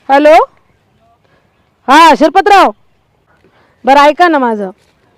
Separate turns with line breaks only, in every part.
Hello, हां शिरपतराव, बरं ऐका ना माझं.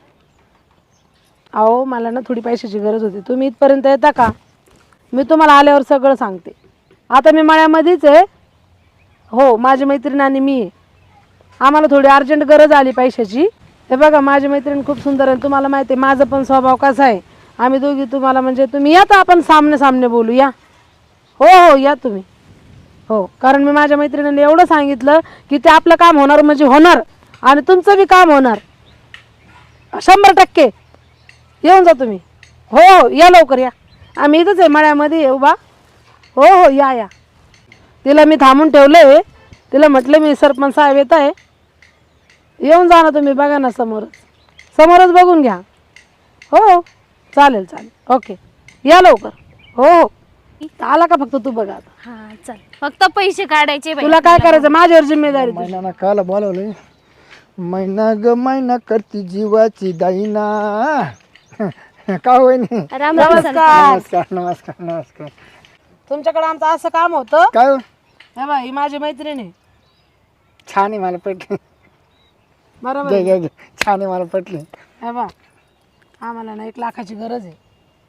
अहो मला ना थोडी पैशाची गरज होती. तुम्ही इथपर्यंत येता का? मी तुम्हाला आल्यावर सगळं सांगते. आता मी मळ्यामध्येच आहे. हो, माझी मैत्रीण आणि मी आहे. आम्हाला थोडी अर्जंट गरज आली पैशाची. हे बघा, माझी मैत्रीण खूप सुंदर आहे. तुम्हाला माहिती आहे माझं पण स्वभाव कसा आहे. आम्ही दोघी तुम्हाला म्हणजे तुम्ही या तर आपण सामने सामने बोलू. या, हो हो या तुम्ही. हो, कारण मी माझ्या मैत्रिणीने एवढं सांगितलं की ते आपलं काम होणार म्हणजे होणार आणि तुमचं बी काम होणार 100%. येऊन जा तुम्ही. हो हो या लवकर या. आम्ही इथंच आहे मळ्यामध्ये येऊ बा. हो हो या या. तिला मी थांबून ठेवलं. तिला म्हटलं मी सरपंच साहेब येत आहे. येऊन जा ना तुम्ही. बघा ना समोरच बघून घ्या. हो हो चालेल चालेल ओके. या लवकर. हो हो आला का फक्त तू बघा आता.
हा चल, फक्त पैसे काढायचे बाई.
तुला काय करायचं माझ्यावर जिम्मेदारी तुझी.
महिना काला बोलवलंय. महिना ग महिना करती जीवाची दाईना. का होईनी.
राम राम सर.
नमस्कार नमस्कार नमस्कार.
तुमच्याकडे आमचं असं काम होतं.
काय हो?
हे बा ही माझी मैत्रीण आहे.
छान आहे, मला पटली.
बरोबर
दे
आहे.
दे दे. छान आहे, मला पटली.
हे बा आम्हाला ना 1 लाखाची गरज आहे.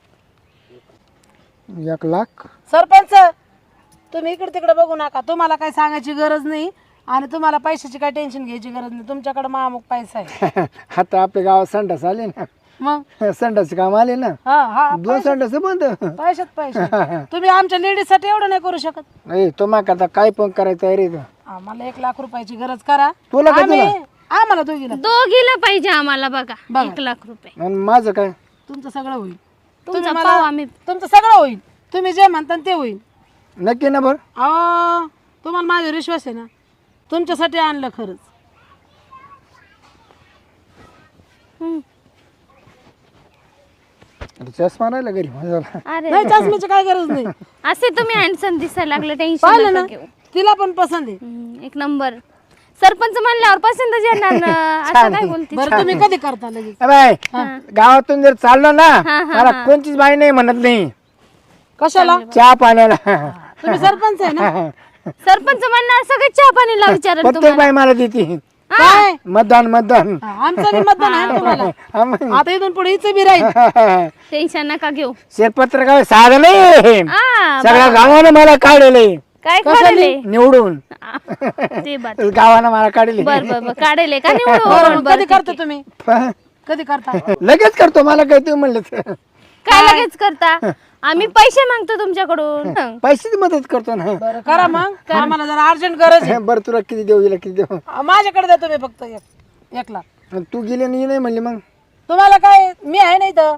1 लाख.
सरपंच तुम्ही इकडे तिकडे बघू नका. तुम्हाला काही सांगायची गरज नाही आणि तुम्हाला पैशाची काही टेन्शन घ्यायची गरज नाही. तुमच्याकडे महामुख पैसा आहे.
आता आपल्या गावात संडास आले ना.
मग
संडास काम आले ना.
हा हा
2 संडास बंद.
पैशात पैसे. तुम्ही आमच्या लेडीज साठी एवढं नाही करू शकत.
नाही तुम्हा करता काय पण करायचं आहे रे.
आम्हाला 1 लाख रुपयाची गरज करा.
तुला काय
आम्हाला दोघीला
दोघीला पाहिजे आम्हाला. बघा 1 लाख रुपये.
आणि माझं काय?
तुमचं सगळं होईल.
तुमचा पाव आम्ही.
तुमचं सगळं होईल. तुम्ही जे म्हणता ते होईल.
नक्की ना बरं.
अहो तुम्हाला माझ्यावर विश्वास आहे ना. तुमच्यासाठी आणलं खरंच.
चष्मा राहिला घरी माझा.
अरे
नाही चष्म्याची काय गरज नाही.
असे तुम्ही हँडसम दिसायला लागले.
पाहिलं
टेन्शन
ना
नका घेऊ.
तिला पण पसंत आहे.
1 नंबर. सरपंच म्हणल्यावर पसंतच येणार ना. असं काय बोलते.
बरं तुम्ही कधी करता लगेच?
बाय गावातून जर चाललो ना मला कोणतीच बाई नाही म्हणत नाही.
कशाला?
चहा पाण्याला.
तुम्ही सरपंच आहे ना.
सरपंच म्हणणार सगळे चहा पाणीला विचारल
प्रत्येक बाई मला देते.
काय
मतदान मतदान.
आमचं बी मतदान आहे ना तुम्हाला.
हा मग.
आता इथून पुढे हिचं बी राहील.
टेन्शन नका घेऊ.
शेतपत्र काय साधं नाही.
आ,
सगळ्या गावानं मला काढले
काय काढले
निवडून.
ते बात.
गावानं मला काढले.
बर बर बर काढले का
बरं,
निवडून.
मग कधी करता तुम्ही? कधी करता?
लगेच करतो. मला काय तुम्ही म्हणलं
काय लगेच करता? आम्ही पैसे मागतो तुमच्याकडून.
पैशाची मदत करतो ना.
बरं करा मग. आम्हाला जरा अर्जंट गरज आहे.
बरं तुला किती देऊ हिला किती देऊ.
माझ्याकडे द्या तुम्ही फक्त 1 लाख.
तू गेली नाही म्हणली मग.
तुम्हाला काय मी आहे नाही तर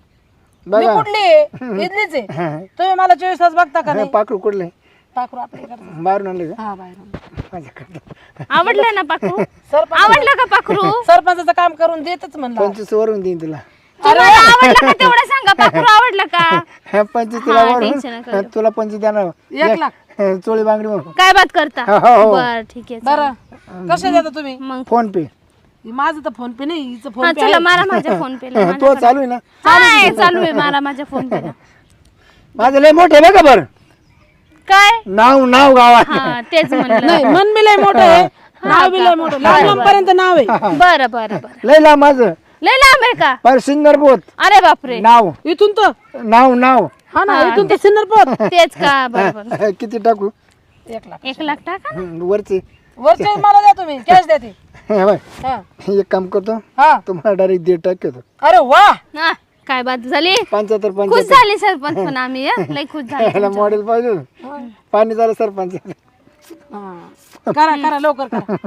मी
बघा
कुठली आहे? इथलीच आहे. तुम्ही मला 24 तास बघता का नाही?
पाकरू कुठले
टाकू आपल्याकडे.
बाहेरून आणले का
हा बाहेर.
माझ्याकडे.
आवडलं ना पाखरू?
सरपंच
आवडलं का पाखरू?
सरपंचाचं काम करून देतच म्हणलं.
25 वरून देईन तुला.
तुम्हाला आवडलं का तेवढं सांगा. पाखरू आवडलं का?
25 तुला
हा,
वरून.
टेन्शन नका घेऊ.
तुला 25 देणार.
1 लाख.
चोळी बांगडी म्हणून.
काय बात करता?
हो, हो.
बर ठीक आहे.
बरं कसे देता तुम्ही?
मग
फोन पे.
माझं तर फोन पे नाही. हिचं
हा
फोन पे
चला मारा माझ्या फोन पे ला.
तो चालू आहे ना.
चालू आहे मारा माझ्या फोन पे ला.
माझं लय मोठे आहे बघा बरं.
काय?
नाव नाव गावात.
हा तेच म्हणलं.
नाही. मन बी लय मोठं आहे. नाव बी लय मोठं. लांब पर्यंत नाव आहे.
बरं बरं बरं.
लय लांब माझं.
लय लांब आहे का?
पर सिन्नर बोत.
अरे बापरे.
नाव
इथून तर
नाव नाव.
हा ना इथून तर सिन्नरपोत.
तेच का? बरोबर.
किती टाकू.
1 लाख.
1 लाख टाका ना.
वरचे.
वरचे मला द्या तुम्ही. कॅश द्या ती.
हे बघ,
हा
एक काम करतो
हा.
तुम्हाला डायरेक्ट 1.5 टाकतो.
अरे वा.
हा, काय बात झाली?
75
खुश
75.
झाली सरपंच पण आम्ही हं? लय खुश झाले.
याला मॉडेल पाहिजे. पाणी झालं सरपंच.
हा. करा करा लवकर करा.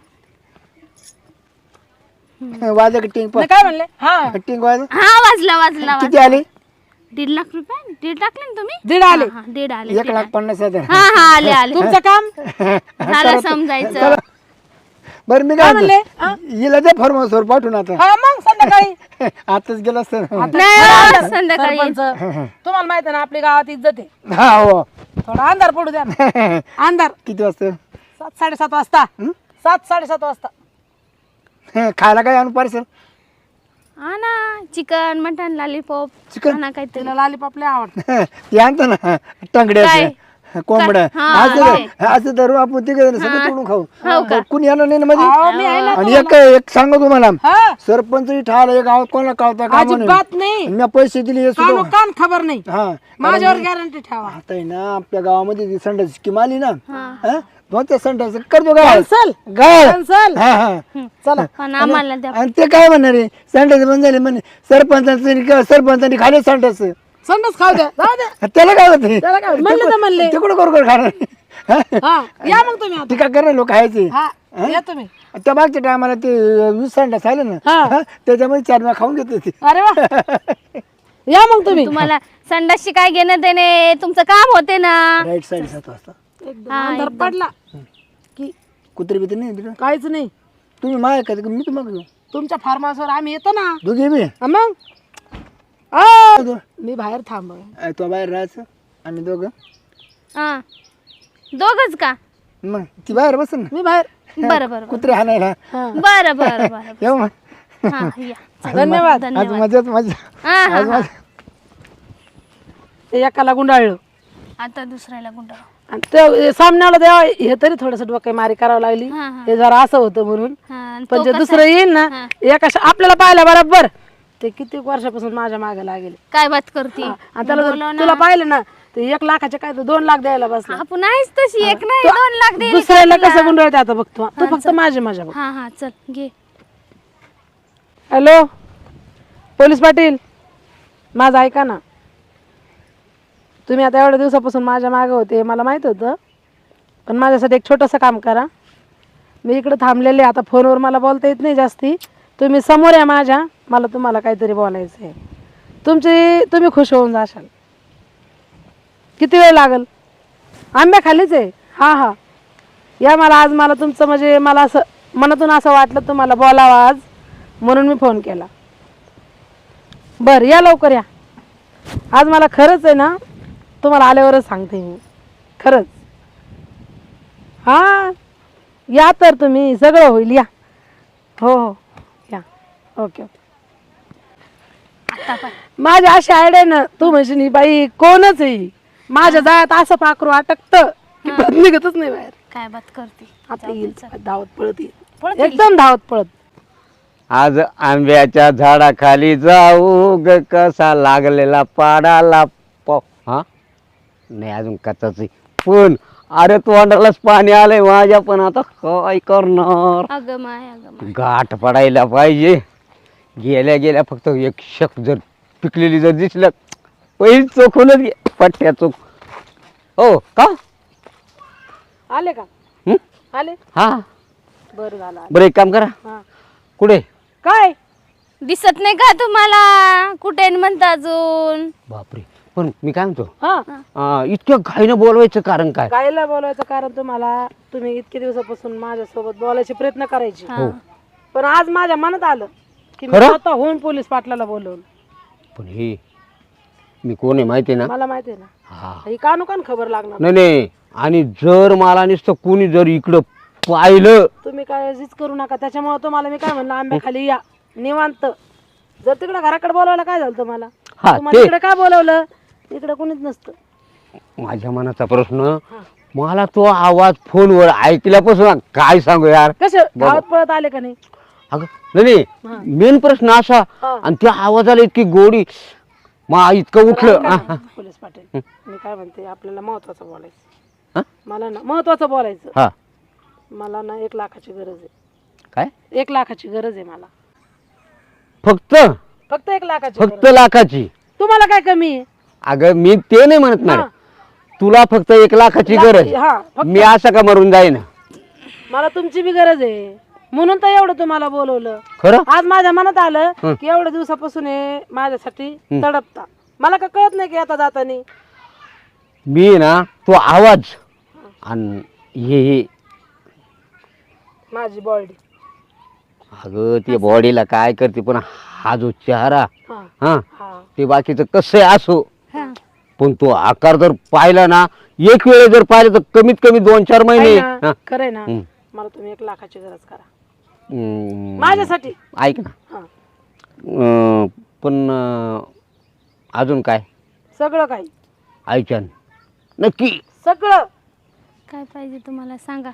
वाजा का टिंग
नाही, काय म्हणले? हा
टिंग वाजा.
हा वाजला वाजला
किती आले?
1.5 लाख रुपये. 1.5 टाकले ना तुम्ही?
1.5 आले.
हा 1.5 आले.
1,50,000.
हा हा आले आले.
तुमचं काम
झालं समजायचं.
बरं मी काय
म्हणले?
म्हणतो, हिला दे फॉर्मसवर पाठवून आता.
हा मग संध्याकाळी
आताच गेला असतं.
नाही हो, संध्याकाळी.
सरपंच तुम्हाला माहिती आहे ना आपली गावात इज्जत आहे.
हा हो.
थोडा अंधार पडू द्या ना. अंधार
किती वाजता?
7-7:30 वाजता. 7-7:30 वाजता.
खायला काय आणू पार्सल?
हा ना चिकन मटन लॉलीपॉप.
चिकन?
हा ना काहीतरी.
तिला लॉलीपॉप लय आवडतं.
ते आणतो ना टंगड्या.
काय?
कोंबड्या
हा,
असं धरू आपण तिघ सगळं तोडून खाऊ तर कुणी येणार नाही ना
अहो, मी आहे
मध्ये
ना
आणि एक सांगू तुम्हाला
हा
सरपंच ठाला एक गावात कोणाला कळता का
अजिबात नाही
मी पैसे दिले हे सुद्धा
कान खबर नाही
हा
माझ्यावर गॅरंटी ठेवा
आता आहे ना आपल्या गावामध्ये ती संडास स्कीम आली ना हा? मग त्या संडास करतो गाळ
कॅन्सल
गाळ
कॅन्सल
हा हा
चला
पण आम्हाला द्या
आणि ते काय म्हणणार आहे संडास बंद झाले म्हणे सरपंचांनी खाले संडास
संडास खाऊ द्या जाऊ द्या
त्याला काय होते
त्याला काय म्हणले तर म्हणले
ते कुठं करू खाणार
हा या मग तुम्ही आता
टीका करणार लोक खायचे
हा या तुम्ही
त्या मागच्या टायमाला ते 20 संडास आले ना
हा.
हा, त्याच्यामध्ये 4 वेळा खाऊन घेत होते
अरे वा या मग तुम्ही
तुम्हाला संडासशी काय घेणं देणे तुमचं काम होते ना
राईट साईड 7 वाजता
एकदम अंधार पडला की
कुत्री बित्री नाही तिकडे
काहीच नाही
तुम्ही माय का मी तुम्हाला घेऊ
तुमच्या फार्म हाऊसवर आम्ही येतो ना
दोघे बी
हा मग आ, मी बाहेर थांब
तो बाहेर राहायचं आम्ही दोघं
हा दोघच का
मग ती बाहेर बस ना
मी बाहेर
बरं बरं
कुत्रे हाणायला
हा.
बरं बरं बरं
येऊ मग
हा या
धन्यवाद
आज
धन्यवाद
मजाच मजा
हा हा
आज
हा.
मजा
ते एकाला गुंडाळलं
आता दुसऱ्याला गुंड
आणि ते सामन्याला द्यावा हे तरी थोडस डोके मारी करावं लागली
हा, हा.
हे जरा असं होतं म्हणून
हा आणि
पण
तो
जे
कसा
दुसरं
आहे?
येईल ना
हा.
एका आपल्याला पाहिलं बरोबर ते किती वर्षापासून माझ्या मागे लागेल
काय बात करते
आणि त्याला जर तुला पाहिलं ना ते 1 लाखाचे काय तर 2 लाख द्यायला बसला
आपण आहेच तशी एक नाही 2 लाख दे
दुसऱ्याला कसं गुंडाळते आता बघतो तू फक्त माझी माझ्या बघ
हा हा चल घे
हॅलो पोलीस पाटील माझं ऐका ना तुम्ही आता एवढ्या दिवसापासून माझ्या मागे होते मला माहित होतं पण माझ्यासाठी एक छोटंसं काम करा मी इकडे थांबलेले आता फोनवर मला बोलता येत नाही जास्ती तुम्ही समोर या माझ्या मला तुम्हाला काहीतरी बोलायचं आहे तुम्ही खुश होऊन जाशाल किती वेळ लागल आंब्या खालीच आहे हा हा या मला तुमचं म्हणजे मला असं मनातून असं वाटलं तुम्हाला बोलावं आज म्हणून मी फोन केला बरं या लवकर या आज मला खरंच आहे ना तुम्हाला आल्यावरच सांगते मी खरंच हा या तर तुम्ही सगळं होईल या हो हो या ओके ओके
आता पण
माझी अशी आयडिया ना तू म्हणशील ही बाई कोणच आहे माझ्या जाळ्यात असं पाखरू अटकत की परत निघतच नाही बाहेर
काय बात करते
आता येईल धावत पळत येईल
पळत
एकदम धावत पळत
आज आंब्याच्या झाडाखाली जाऊ ग कसा लागलेला पाडाला हा नाही अजून कचाच पण अरे तोंडालाच पाणी आलंय माझ्या पण आता काय करणार
अगं माय
गाठ पडायला पाहिजे गेल्या गेल्या फक्त एक शक जर पिकलेली जर दिसलं पहिली चोखूनच घे पट्ट्या चोख हो का
आले का
हं?
आले
हा
बरं झालं आले.
बरं एक काम करा
हा.
कुठे
काय
दिसत नाही का तुम्हाला कुठे म्हणता अजून
बापरे पण मी काय म्हणतो
हा
इतक्या घाईनं बोलवायचं कारण काय
गायला बोलायचं कारण तुम्हाला तुम्ही इतके दिवसापासून माझ्यासोबत बोलायचे प्रयत्न करायचे
हा.
पण आज माझ्या मनात आलं की मी
खरं?
स्वतः होऊन पोलीस पाटलाला बोलवलं
पण हे मी कोण आहे माहिती आहे ना
मला माहिती आहे ना
हा
ही कानुकान खबर लागणार
नाही नाही आणि जर मला नुसतं कोणी जर इकडं पाहिलं
तुम्ही काळजीच करू नका त्याच्यामुळे तुम्हाला मी काय म्हणलं आंब्याखाली या निवांत जर तिकडे घराकडे बोलवलं काय झालं तुम्हाला
हा,
तुम्हाला
ते-
इकडे काय बोलवलं इकडे कोणीच नसतं
माझ्या मनाचा प्रश्न मला तो आवाज फोनवर ऐकल्यापासून काय सांगू यार
कसे धावत पळत आले का नाही
अगं नाही मेन प्रश्न असा
हा.
आणि त्या आवाजाला इतकी गोडी मा इतकं उठलं हा, हा.
पोलीस पाटील मी काय म्हणते आपल्याला महत्वाचं बोलायचं
हा?
मला ना महत्वाचं बोलायचं
हा
मला ना 1 लाखाची गरज आहे
काय
1 लाखाची गरज आहे मला
फक्त
फक्त 1 लाखाची
फक्त
गरज.
लाखाची
तुम्हाला काय कमी आहे
अगं मी ते नाही म्हणत
हा.
नाही तुला फक्त 1 लाखाची गरज
हा फक्त
मी असं का मरून जाईन
मला तुमची बी गरज आहे म्हणून तर एवढं तुम्हाला बोलवलं
खरं
आज माझ्या मनात आलं की एवढ्या दिवसापासून हे माझ्यासाठी तडपता मला का कळत नाही की आता जातानी
मी ना तो आवाज आणि हे
माझी बॉडी
अगं ते बॉडीला काय करते पण हा जो चेहरा
हा
हा
हा
ते बाकीचं कसं असो
हा.
पण तो आकार जर पाहिला ना एक वेळे जर पाहिलं तर कमीत कमी 2-4 महिने हा.
खरंय ना
हम्म.
मला तुम्ही 1 लाखाची गरज करा
माझ्यासाठी
माझ्यासाठी
ऐक ना
हा
पण अजून काय
सगळं काही
ऐकन नक्की
सगळं.
काय पाहिजे तुम्हाला सांगा.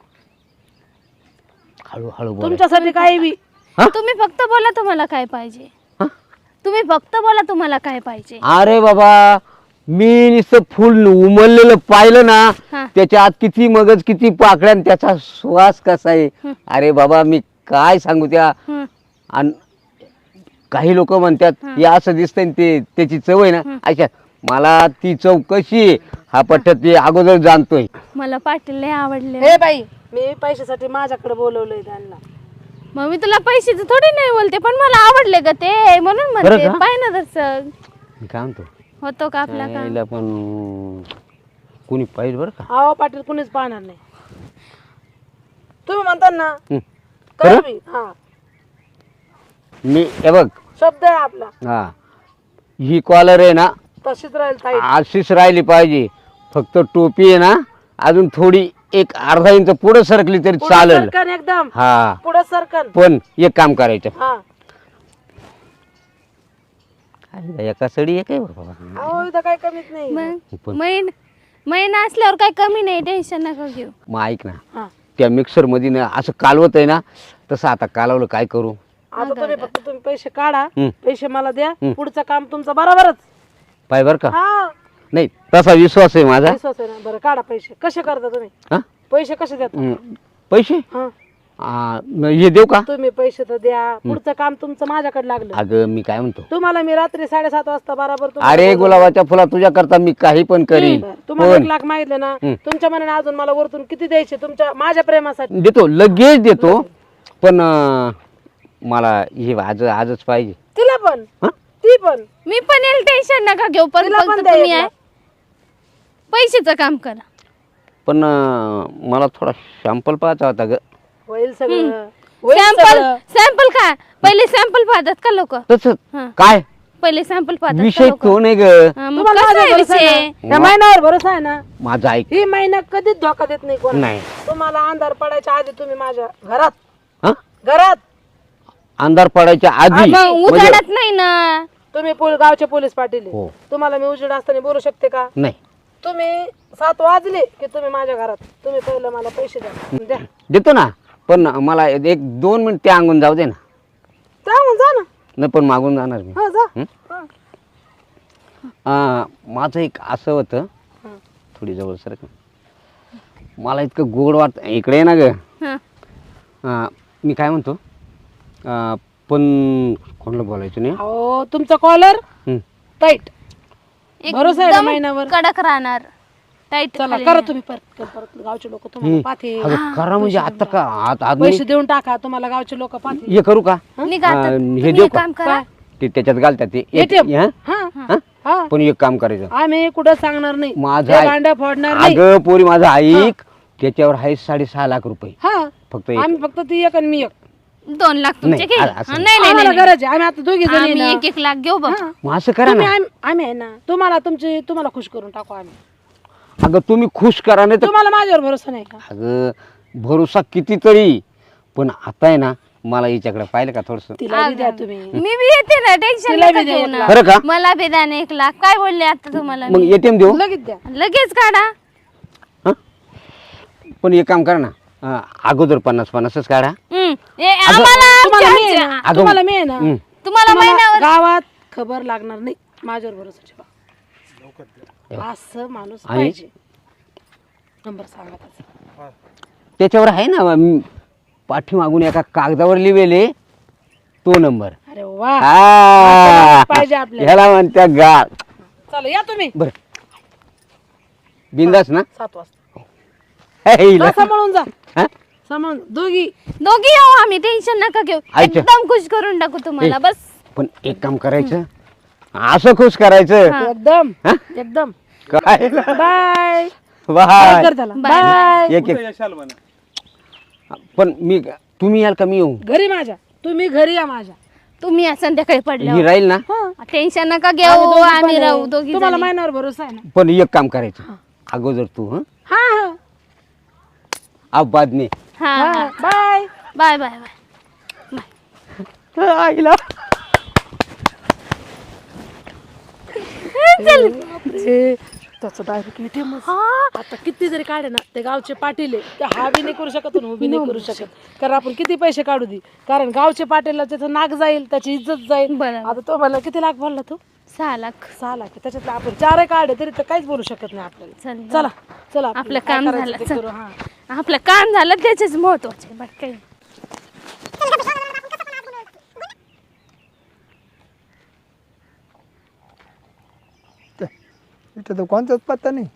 हळूहळू बोला.
तुमच्यासाठी काही बी.
हा?
तुम्ही फक्त बोला तुम्हाला काय पाहिजे.
हा?
तुम्ही फक्त बोला तुम्हाला काय पाहिजे.
अरे बाबा, मी नुसतं फुल उमललेलं पाहिलं ना,
हा.
त्याच्या आत किती मगज, किती पाकळ्या, आणि त्याचा श्वास कसा आहे. अरे बाबा, मी काय सांगू त्या.
हं.
आणि काही लोक म्हणतात हे असं दिसतंय आणि ते त्याची चव आहे ना, अच्छा मला ती चव कशी आहे हा पट्ट्यात ते अगोदर जाणतोय.
मला पाटील लय आवडले.
हे बाई, मी पैशासाठी माझ्याकडे बोलवलंय त्यांना.
मग मी तुला पैशाचं थोडी नाही बोलते, पण मला आवडले ग ते, म्हणून म्हणते.
बरं का?
पाय ना दर्शक
मी काय म्हणतो,
होतो का आपला काम.
यायला पण कोणी पाहिजे बरं का.
अहो पाटील, कुणीच पाहणार नाही. तुम्ही म्हणता ना,
हं.
करू
खरं?
बी. हा,
मी हे बघ,
शब्द आहे आपला.
हा ही कॉलर आहे ना
तशीच राहील ताई.
अशीच राहिली पाहिजे. फक्त टोपी आहे ना अजून थोडी एक अर्धा इंच पुढे सरकली तरी
पुढं
चालेल.
सरकन एकदम.
हा,
पुढे सरकन.
पण एक काम करायचं.
हा.
एका सडी एक आहे बाबा.
अहो इथं काही कमीच नाही.
मग
पण-
महिना असल्यावर काही कमी नाही, टेन्शन नका घेऊ.
मग ऐक ना,
हा.
त्या मिक्सर मध्ये ना असं कालवत आहे ना, तसं आता कालवलं काय करू.
आता तुम्ही फक्त पैसे काढा,
हं.
पैसे मला द्या, पुढचं काम तुमचं बरोबरच.
पाय बर का.
हा,
नाही तसा विश्वास आहे माझा.
विश्वास आहे ना. बरं काढा पैसे. कसे करता तुम्ही?
हा?
पैसे कसे देता?
पैसे
हा.
हे देऊ का.
तुम्ही पैसे तर द्या, पुढचं काम तुमचं माझ्याकडे लागलं.
अगं मी काय म्हणतो,
तुम्हाला मी रात्री 7:30 वाजता बरोबर तुम्हाला
अरे
बोलवलं.
गुलाबाच्या फुला तुझ्या करता मी काही पण करीन.
बरं, तुम्हाला
पण
1 लाख मागितले ना, तुमच्या मनाने अजून मला वरतून किती द्यायचे तुमच्या माझ्या प्रेमासाठी?
देतो, लगेच देतो. पण मला हे आजच पाहिजे.
तिला पण,
हा?
ती पण.
मी पण येईल, टेन्शन नका घेऊ. पण
तिला पण
फक्त
द्या
तुम्ही
1
आहे
लाख.
पैशाचं काम करा.
पण मला थोडा शॅम्पल पाहायचा होता ग.
होईल सगळं. होईल
सॅम्पल
सगळं.
सॅम्पल काय, पहिले सॅम्पल पाहतात का लोक.
तसं
हा.
काय
पहिले सॅम्पल पाहतात का
विषय
लोक.
तो नाही ग.
मग
तुम्हाला
कसं
माझ्यावर
आहे
भरोसा आहे
विषय.
ना? या महिन्यावर भरोसा आहे ना?
माझा ऐक.
ही महिना कधीच धोका देत नाही कोण.
नाही.
तुम्हाला अंधार पडायच्या आधी तुम्ही माझ्या घरात
हा?
घरात
अंधार पडायच्या आधी
मग
म्हणजे-
उजाडत नाही ना.
तुम्ही गावचे पोलीस पाटील आहे.
हो.
तुम्हाला मी उजेड असताना बोलू शकते का?
नाही
तुम्ही 7 वाजले की तुम्ही माझ्या घरात. तुम्ही पहिलं मला पैसे द्या.
देतो ना, पण मला 1-2 मिनिट त्या अंगून जाऊ दे ना.
सांगून जा ना.
नाही पण मागून जाणार मी.
हा जा.
हं?
हा.
माझं एक असं होतं,
हं.
थोडी जवळ सर मला इतकं गोड वाटत इकडे आहे ना ग.
हा.
मी काय म्हणतो, पण कोणाला बोलायचं नाही.
अहो तुमचा कॉलर
हं.
टाईट. भरोसा आहे ना
एकदम
महिन्यावर?
कडक राहणार. टाईट
चला करा तुम्ही परत गावचे लोक तुम्हाला पाहते.
अगं करा म्हणजे आता का आज
पैसे देऊन टाका, तुम्हाला गावचे लोक पाहते.
हे करू का.
निघा आता.
हे
तुम्ही
देऊ
एक
का?
काम करा.
ते त्याच्यात घालतात ते
ATM?
हं?
हा
हं?
हा.
पण एक काम करायचं,
आम्ही कुठं सांगणार नाही.
माझं
ते
ऐक.
भांडं फोडणार नाही.
अगं पोरी माझं ऐक, त्याच्यावर आहे 6.5 लाख रुपये.
हा.
फक्त एक.
आम्ही फक्त ती एक आणि मी एक.
2 लाख तुमचे
नाही,
घे.
असं
नाही नाही
आम्हाला
नाही.
गरज आहे. आम्ही आता दोघी जणी
आम्ही
ना.
1-1 लाख घेऊ बघ.
हा.
मग असं करा
तुम्ही
ना.
आम्ही आहे ना. तुम्हाला खुश करून टाकू आम्ही.
अगं तुम्ही खुश करा, नाही तर
तुम्हाला माझ्यावर भरोसा नाही का?
अगं भरोसा कितीतरी, पण आता आहे ना मला हिच्याकडे पाहिलं का थोडस.
तिला बी द्या तुम्ही.
मी बी येते ना, टेन्शन
तिला
नका
बी दे
घेऊ
1
ना.
लाख.
खरं का.
मला बी द्या ना 1 लाख. काय बोलले आता तुम्हाला
मग
मी?
ATM देऊ.
लगेच द्या.
लगेच काढा.
पण एक काम करा ना, अगोदर 50-50च काढा.
आम्हाला
तुम्हाला मी आहे
आमच्या-
ना.
अगं,
तुम्हाला मी आहे ना.
हं.
तुम्हाला
तुम्हाला
महिन्यावर
गावात खबर लागणार नाही. माझ्यावर भरोसा ठेवा. असं माणूस
आणि?
पाहिजे. नंबर सांगा त्याचा.
त्याच्यावर आहे ना पाठीमागून एका कागदावर लिहिलेले तो नंबर.
अरे वा.
हा.
पाहिजे आपल्याला.
ह्याला म्हणत्या गाळ.
चला या तुम्ही.
बर बिंदास ना.
7 वाजता.
हे हिला.
जा, सांभाळून जा.
हा?
सांभाळून दोघी.
दोघी येऊ आम्ही, टेन्शन नका घेऊ.
अच्छा.
एकदम खुश करून टाकू तुम्हाला. बस
पण एक काम करायचं, असं खुश करायचं.
एकदम
हा?
एकदम.
काय
बाय.
बाय.
कर त्याला.
बाय.
बाय.
एक पण तुम्ही याल का मी येऊ.
घरी माझ्या. तुम्ही घरी या माझ्या.
तुम्ही या संध्याकाळी
ही
पडल्यावर.
राहील ना.
टेन्शन नका
आम्ही
घेऊ,
दोघी
आम्ही
पण
राहू
आहे.
दोघी
तुम्हाला
जणी.
महिन्यावर भरोसा आहे ना?
पण एक काम करायचं, अगोदर तू
हा हा.
अब बाद में.
हा
हा.
हा.
बाय.
Bye bye bye.
आईला
बापरे. त्याचं डायरेक्ट ATM
हा
आता किती जरी काढे ना ते गावचे पाटील आहे ते हा बी नाही करू शकत आणि उभी नाही करू शकत कारण आपण किती पैसे काढू दे कारण गावचे पाटीलला त्याचं नाक जाईल त्याची इज्जत जाईल.
बरं.
आता तो मला किती लाख बोलला तू
6 लाख.
6 लाख त्याच्यातले आपण 4 काढे तरी तर काहीच बोलू शकत नाही आपल्याला.
चल
चला चला
आपलं
काय
काम
करायचं
झालं,
ते
चल.
करू. हा
आपलं काम झालं त्याचेच महत्वाचे बाकी काही नाही.
इथं तर कोणताच पत्ता नाही.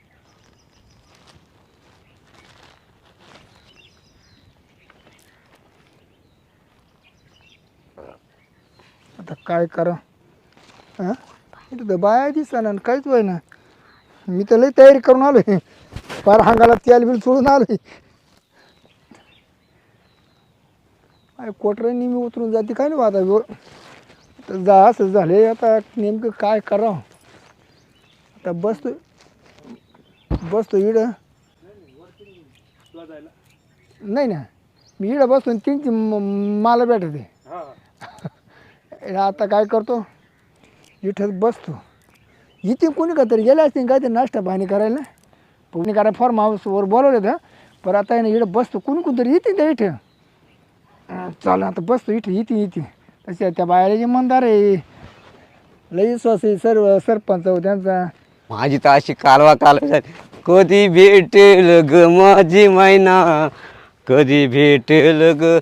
आता काय करा हा इथं तर बाया दिसना आणि काहीच व्हाय ना. मी तर लई तयारी करून आलोय फार हांगाला तेल बिल सोडून आलोय. काय कोटऱ्यांनी मी उतरून जाते काय नाही आता जा असं झाले आता नेमकं काय करावं. आता बसतो इड नाही ना मी इडं बसतो आणि तीन मला भेटते. आता काय करतो इथं बसतो इथे कोणी का तरी गेले असतील काय ते नाश्ता पाणी करायला कोणी करा फॉर्म हाऊसवर बोलवलं तर पण आता ना इकडं बसतो कोणतरी येते त्या इथं चाल आता बसतो इथे तसे त्या बाहेर जे मंदार आहे लई विश्वास आहे सर्व सरपंच त्यांचा.
माझी तर अशी कालवा झाली. कधी भेटेल ग माझी मैना कधी भेटेल ग.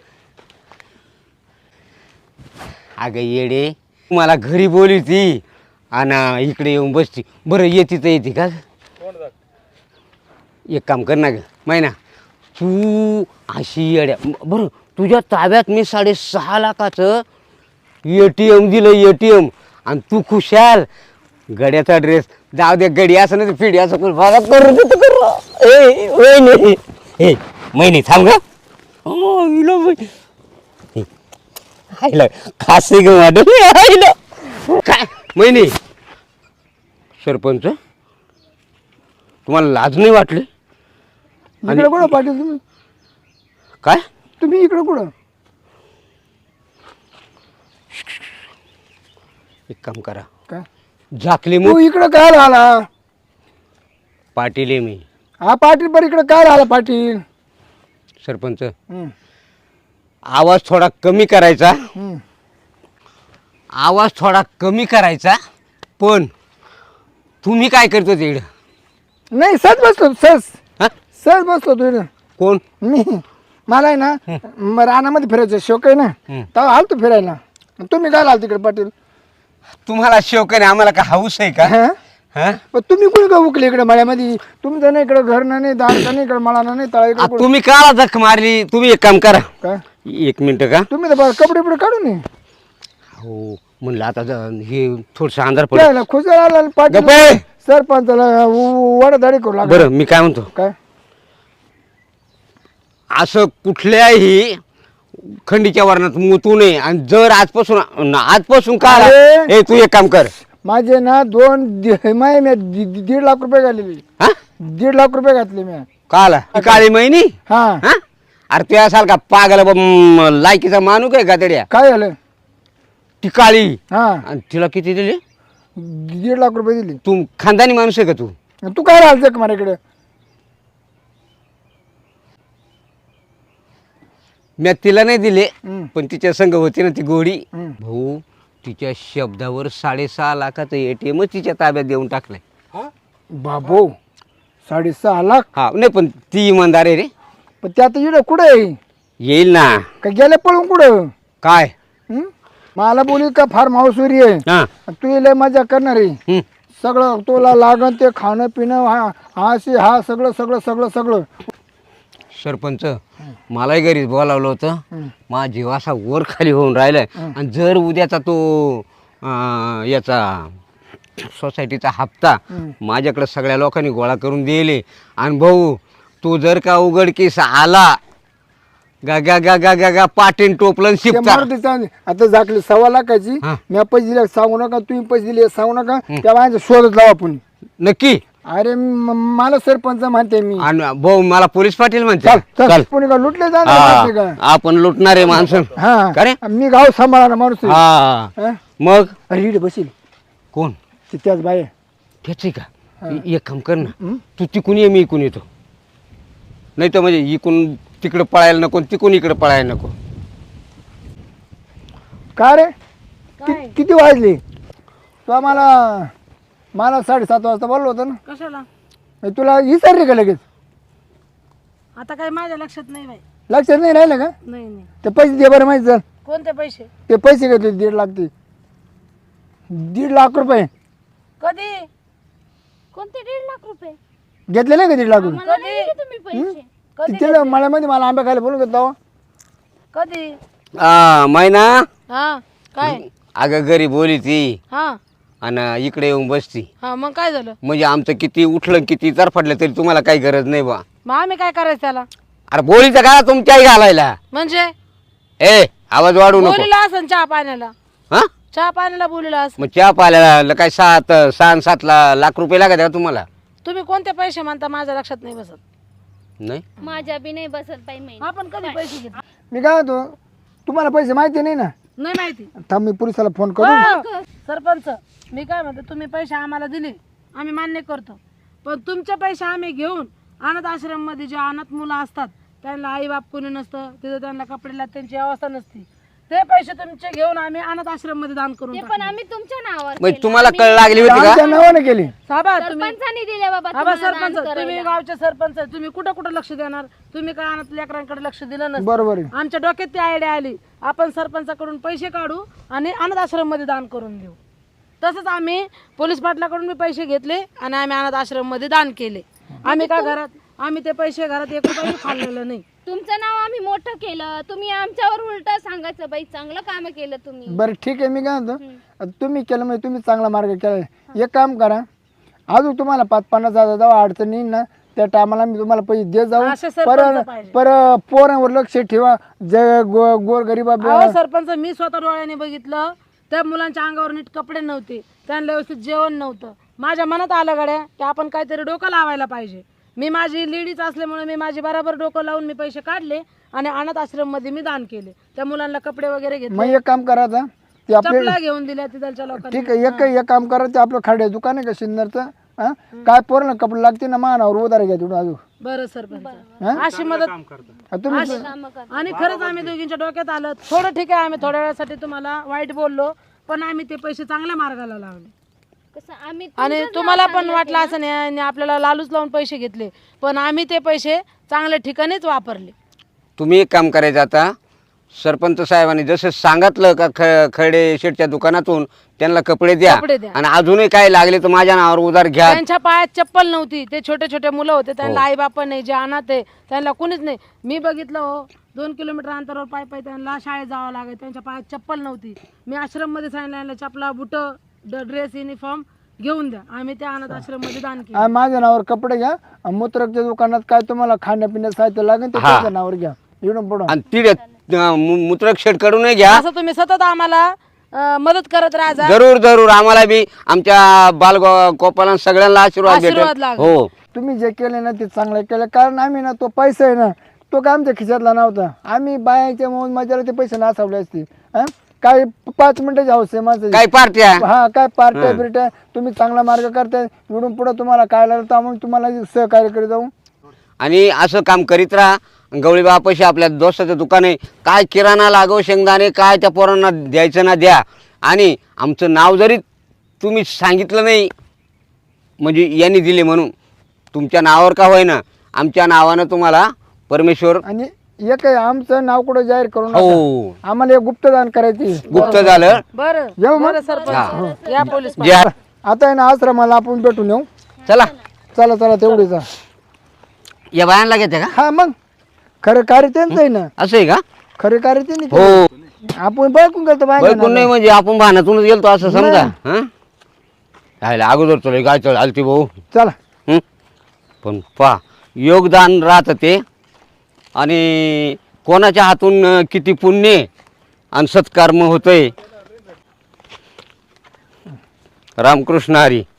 अगं येडे मला घरी बोलली ती आणि इकडे येऊन बसती. बरं येते तर येते का. एक काम कर ना ग मैना तू अशी येड्या बरं तुझ्या ताब्यात मी 6.5 लाखाचं ATM दिलं ATM आणि तू खुशाल गड्याचा ड्रेस जाऊ दे गडी असं नाही फिडी असं करू बघा करू देतो करू ए वहिनी ए महिनी थांब ग आईला खासे ग आईला काय महिनी सरपंच तुम्हाला लाज नाही वाटली.
इकडे कुठं पाटील तुम्ही
काय
तुम्ही इकडे कुठं
एक काम करा
काय
झाकली
तू
मग
इकडं काय राहिला
पाटील आहे मी
हा पाटील पण इकडे काय राहिला पाटील.
सरपंच
हम्म,
आवाज थोडा कमी करायचा
हम्म.
आवाज थोडा कमी करायचा पण तुम्ही काय करतो तिकडं.
नाही सहज बसलो सहज
हा
सहज बसलो तू इकडं.
कोण
मी मला आहे ना रानामध्ये फिरायचं शौक आहे ना तेव्हा आलतो फिरायला. तुम्ही काय आल तिकडे पाटील.
तुम्हाला शौक आहे आम्हाला का हाऊस आहे का.
हा?
हा?
पण तुम्ही कुणी का उकले इकडे मळ्यामध्ये तुमचं नाही इकडे घर नाही दार नाही इकडे मला नाही तळा
आ,
इकडे कुठं?
तुम्ही काला जख मारली. तुम्ही एक काम करा
काय
1 मिनिट का.
तुम्ही तर कपडे बिपडे काढून ये.
हो म्हणलं आता हे थोडस अंधार पडलं.
त्याला खुशाल आला पाटील
गप्प आहे.
सरपंचाला वडदाडी करू लागला.
बरं मी काय म्हणतो
काय
असं कुठल्याही खंडीच्या वर्णात मुतू नये आणि जर आजपासून का
अरे!
ए तू एक काम कर
माझे ना 1.5 लाख रुपये घातलेले.
हा
1.5 लाख रुपये घातले मी.
काला काळी महिनी
हा
हा अरे तू असाल का पागल लायकीचा मानू काय गादड्या.
काय झालं
ती काळी
हा
आणि तिला किती दिले.
1.5 लाख रुपये दिले.
तू खानदानी माणूस आहे का तू.
तू काय राहायचं का मला इकडे.
मी तिला नाही दिले
हम्म.
पण तिच्या संग होती ना ती गोडी.
हम्म.
भाऊ तिच्या शब्दावर 6.5 लाखाचं ATM तिच्या ताब्यात देऊन टाकलंय.
बाबो 6.5 लाख.
हा नाही पण ती इमानदार आहे रे.
पण ते आता इकडे कुठे आहे
येईल ना.
का गेले पळून कुठं.
काय
हं? मला बोली का फार्म हाऊसवरी आहे
हा
तू लय मजा करणार आहे
हम्म.
सगळं तुला लागण ते खाणं पिणं हा सगळं सगळं सगळं सगळं.
सरपंच मलाही घरी बोलावलं होतं.
हं.
माझा जीव असा वर खाली होऊन राहिलाय आणि जर उद्याचा तो याचा सोसायटीचा हप्ता माझ्याकडे सगळ्या लोकांनी गोळा करून दिले आणि भाऊ तू जर का उघडकीस आला गा गा गा गा गा गा पाटील टोपलन
ते
शिपता.
मारुती चांदी. आता झाकली 1.25 लाखाची
हा.
मी पैसे दिले सांगू नका तुम्ही पैसे दिले सांगू नका त्या माझ्या शोधत लावा आपण.
नक्की.
अरे मला सरपंच म्हणते मी.
आणि भाऊ मला पोलीस पाटील म्हणते.
चल
चल
चल कोणी का लुटले
हा,
जाणार
आपण लुटणारे माणसं का रे?
हा मी गाव सांभाळणार माणूस आहे.
हा
हा?
मग
अरे इकडे बसील
कोण
ते त्याच बाय
त्याची का एक काम कर ना, तू तिकून ये, मी इकून येतो. नाही तर म्हणजे इकून तिकडं पळायला नको, तिकून इकडं पळायला नको.
का रे किती वाजले? तू आम्हाला 7:30 वाजता बोललो होतं ना.
कशाला?
तुला विसरले का लगेच?
आता काय माझ्या लक्षात नाही बाई.
लक्षात नाही राहिलं का?
नाही नाही.
ते पैसे दे बरं माहिती. चल
कोणते पैसे?
ते पैसे घेतले 1.5 लाख. ते 1.5 लाख रुपये
कधी?
कोणते 1.5 लाख रुपये?
घेतले नाही का 1.5 लाख रुपये?
मला नाही दिले तुम्ही पैसे.
कधी?
तिथे मळ्यामध्ये मला आंबा खायला बोलून घेतला.
कधी?
मैना,
हा काय?
अगं घरी बोली ती
हा
आणि इकडे येऊन बसती.
हा मग काय झालं?
म्हणजे आमचं किती उठलं किती तरफडलं तरी तुम्हाला काही गरज नाही बा.
मग आम्ही काय करायचं त्याला?
अरे बोलीचं का तुमच्याही घालायला?
म्हणजे
ए आवाज वाढू नको.
बोलीला असं चहा पाण्याला?
हा
चहा पाण्याला बोलीला असं?
मग चहा पाल्याला काय 6-7 लाख रुपये लागत का तुम्हाला?
तुम्ही कोणते पैसे म्हणता माझ्या लक्षात नाही बसत.
नाही
माझ्या बी नाही बसत बाई महिना.
आपण कधी पैसे घेतले?
मी काय होतो, तुम्हाला पैसे माहिती नाही ना.
नाही माहिती.
थांब मी पोलिसाला फोन करू.
हो, सरपंच मी काय म्हणते, तुम्ही पैसे आम्हाला दिले आम्ही मान्य करतो, पण तुमचे पैसे आम्ही घेऊन अनाथ आश्रम मध्ये जे अनाथ मुलं असतात त्यांना आई बाप कोणी नसतं, तिथं त्यांना कपडे त्यांची अवस्था नसती, ते पैसे तुमचे घेऊन आम्ही अनाथ आश्रम मध्ये दान करून
ते
टाकले.
पण आम्ही तुमच्या नावावर
मग
केलं.
तुम्हाला कळ लागली होती का?
आमच्या नावाने केली.
साबा तुम्ही
सरपंचांनी दिले बाबा
आबा
तुम्हाला
सरपंच
दान
तुम्ही
करायला.
गावचे सरपंच आहे, तुम्ही कुठं कुठं लक्ष देणार? तुम्ही काय अनाथ लेकरांकडे लक्ष दिलं नसतं.
बरोबर आहे.
आमच्या डोक्यात ती आयडिया आली, आपण सरपंचाकडून पैसे काढू आणि अनाथ आश्रम मध्ये दान करून देऊ. तसंच आम्ही पोलीस पाटलाकडून मी पैसे घेतले आणि आम्ही अनाथ आश्रम मध्ये दान केले. आम्ही काय घरात आम्ही ते पैसे घरात 1 रुपया खाल्लेलं नाही.
तुमचं नाव आम्ही मोठं केलं, तुम्ही आमच्यावर उलट सांगायचं बाई चांगलं काम केलं तुम्ही.
बरं ठीक आहे. मी काय म्हणतो, आता तुम्ही केलं म्हणजे तुम्ही चांगला मार्ग केला. एक काम करा, अजून तुम्हाला 5-50 हजार जेव्हा अडचण येईल ना त्या टायमाला मी तुम्हाला पैसे देत जाऊ.
असे सरपंच पाहिजे.
पोरांवर लक्ष ठेवा. गोर गरीबा
अहो सरपंच मी स्वतः डोळ्याने बघितलं, त्या मुलांच्या अंगावर नीट कपडे नव्हते, त्यांना व्यवस्थित जेवण नव्हतं. माझ्या मनात आलं गड्या की आपण काहीतरी डोकं लावायला पाहिजे. मी माझी लेडीज असल्यामुळे मी माझी बराबर डोकं लावून मी पैसे काढले आणि अनाथ आश्रम मध्ये मी दान केले. त्या मुलांना कपडे वगैरे घेतले,
मग एक काम करायचं ते आपले
चपला घेऊन दिल्या तिथलच्या लोकांनी.
ठीक आहे. एक काम करायचं, आपलं खाडे दुकान आहे का सिन्नरचं, काय पोरांना कपडे लागते ना मानावर उधार घ्या तिथून अजून.
बरं सरपंच अशी मदत
तुम्ही
आणि खरंच आम्ही दोघींच्या डोक्यात आलं. थोडं ठीक आहे, आम्ही थोड्या वेळासाठी तुम्हाला वाईट बोललो, पण आम्ही ते पैसे चांगल्या मार्गाला लावले.
कसं आम्ही
आणि तुम्हाला पण वाटलं असं नाही आणि आपल्याला लालूच लावून पैसे घेतले, पण आम्ही ते पैसे चांगल्या ठिकाणीच वापरले.
तुम्ही एक काम करायचं, आता सरपंच साहेबांनी जसं सांगितलं का खडे शेठच्या दुकानातून त्यांना कपडे द्या
कपडे द्या.
आणि अजूनही काय लागले तर माझ्या नावावर उधार घ्या.
त्यांच्या पायात चप्पल नव्हती, ते छोटे छोटे मुलं होते, त्यांना आई बाप नाही, जे अनाथ आहे त्यांना कुणीच नाही. मी बघितलं हो, 2 किलोमीटर अंतरावर पाय त्यांना शाळेत जावं लागेल, त्यांच्या पायात चप्पल नव्हती. मी आश्रम मध्ये सांगितलं चपला बुट ड्रेस युनिफॉर्म घेऊन द्या, आम्ही त्या अनाथ आश्रम मध्ये दान केलं.
माझ्या नावावर कपडे घ्या. मूत्रकच्या दुकानात काय तुम्हाला खाण्यापिण्याचं साहित्य लागेल ते त्याच्या नावावर घ्या. इकडून पुढं
आणि तिथे मूत्रक शेठ कडूनही घ्या.
असं तुम्ही सतत आम्हाला मदत करत राहा.
जरूर जरूर आम्हाला बी आमच्या बाल गोपाला सगळ्यांना आशीर्वाद
आशीर्वाद
भेटेल.
लागेल.
हो
तुम्ही जे केले ना ते चांगलं केलं. कारण आम्ही ना तो पैसा आहे ना तो काय आमच्या खिशातला नव्हता. आम्ही बायाच्या मौज मजाला ते पैसे नासावले असते. काय 5 मिनिटाची हौस आहे माझं.
काय पार्ट्या
हा काय पार्ट्या बिरट्या. तुम्ही चांगला मार्ग करताय. इकडून पुढे तुम्हाला काय लागलं तर आम्ही तुम्हाला सहकार्य करीत जाऊ.
आणि असं काम करीत राहा. गवळीबा पैसे आपल्या दोस्ताचं दुकान आहे, काय किराणा लागो शेंगदाणे काय त्या पोरांना द्यायचं ना द्या. आणि आमचं नाव जरी तुम्ही सांगितलं नाही म्हणजे यांनी दिले म्हणून, तुमच्या नावावर का होईना आमच्या नावानं तुम्हाला परमेश्वर.
आणि एक आहे, आमचं नाव कुठं जाहीर करू नका.
हो
आम्हाला एक गुप्तदान करायची.
गुप्त झालं.
बरं
येऊ मग.
बरं सरपंच या पोलीस
जे
आता आहे ना आश्रमाला आपण भेटून येऊ.
चला
चला चला तेवढीच.
या बायांना घेते का?
हा मग खरं कार्य त्यांचं आहे ना.
असं आहे का?
खरं कार्य त्यांनी
हो
केलं. आपण बघून गेलतो बाहेर.
कोण नाही म्हणजे आपण भानातूनच गेलतो असं समजा. हा राहिला अगोदर तुला काय चल आलती भाऊ.
चला.
हं? पण पा योगदान राहतं ते आणि कोणाच्या हातून किती पुण्य आणि सत्कर्म होतंय. रामकृष्ण हरी.